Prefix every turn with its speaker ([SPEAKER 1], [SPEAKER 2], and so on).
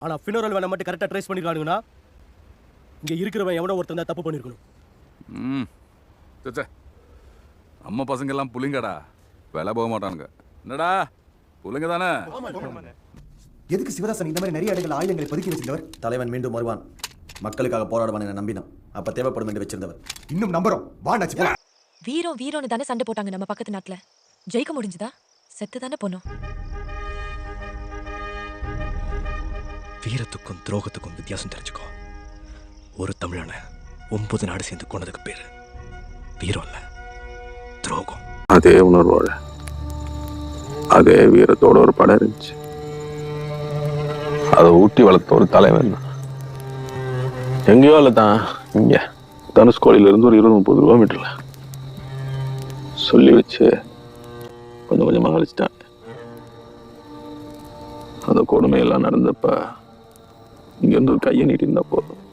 [SPEAKER 1] ஆனா ஃபினரல் வேலை மட்டும் கரெக்டாக ட்ரேஸ் பண்ணிருக்கானுங்கன்னா இங்கே இருக்கிறவன் எவனோ ஒருத்தன் தான் தப்பு பண்ணியிருக்கணும்.
[SPEAKER 2] நம்ம பசங்க எல்லாம் புளிங்கடா, வேலை போக மாட்டானுங்க. என்னடா புளிங்க தானே?
[SPEAKER 3] எதுக்கு சிவதாசன் இந்த மாதிரி நிறைய இடங்கள் ஆயுதங்களை பதுக்கி வச்சிருந்தவர்?
[SPEAKER 4] தலைவன் மீண்டும் வருவான், மக்களுக்காக போராடுவான் என நம்பினான். அப்ப தேவைப்படும் என்று வச்சிருந்தவர்.
[SPEAKER 3] இன்னும் நம்புறோம். வாண்டாச்சு போலாம்.
[SPEAKER 5] வீரம் வீரம்னு தானே சண்டை போட்டாங்க நம்ம பக்கத்து நாட்டுல. ஜெயிக்க முடிஞ்சுதா? செத்து தானே போனோம்.
[SPEAKER 6] வீரத்துக்கும் துரோகத்துக்கும் வித்தியாசம் தெரிஞ்சுக்கோ. ஒரு தமிழனை 9 நாடு சேர்ந்து கொண்டதுக்கு பேரு வீரம் இல்ல, துரோகம்.
[SPEAKER 7] அதே உணர்வோட அதே வீரத்தோட ஒரு படம் இருந்துச்சு. அதை ஊட்டி வளர்த்த ஒரு தலைவன் எங்கேயோ இல்லை தான், இங்க தனுஷ்கோடியில இருந்து ஒரு 20-30 கிலோமீட்டர்ல சொல்லி வச்சு கொஞ்சம் கொஞ்சமாக அழிச்சிட்டான். அந்த கொடுமையெல்லாம் நடந்தப்ப இங்க இருந்து ஒரு கையை நீட்டி இருந்தா போதும்.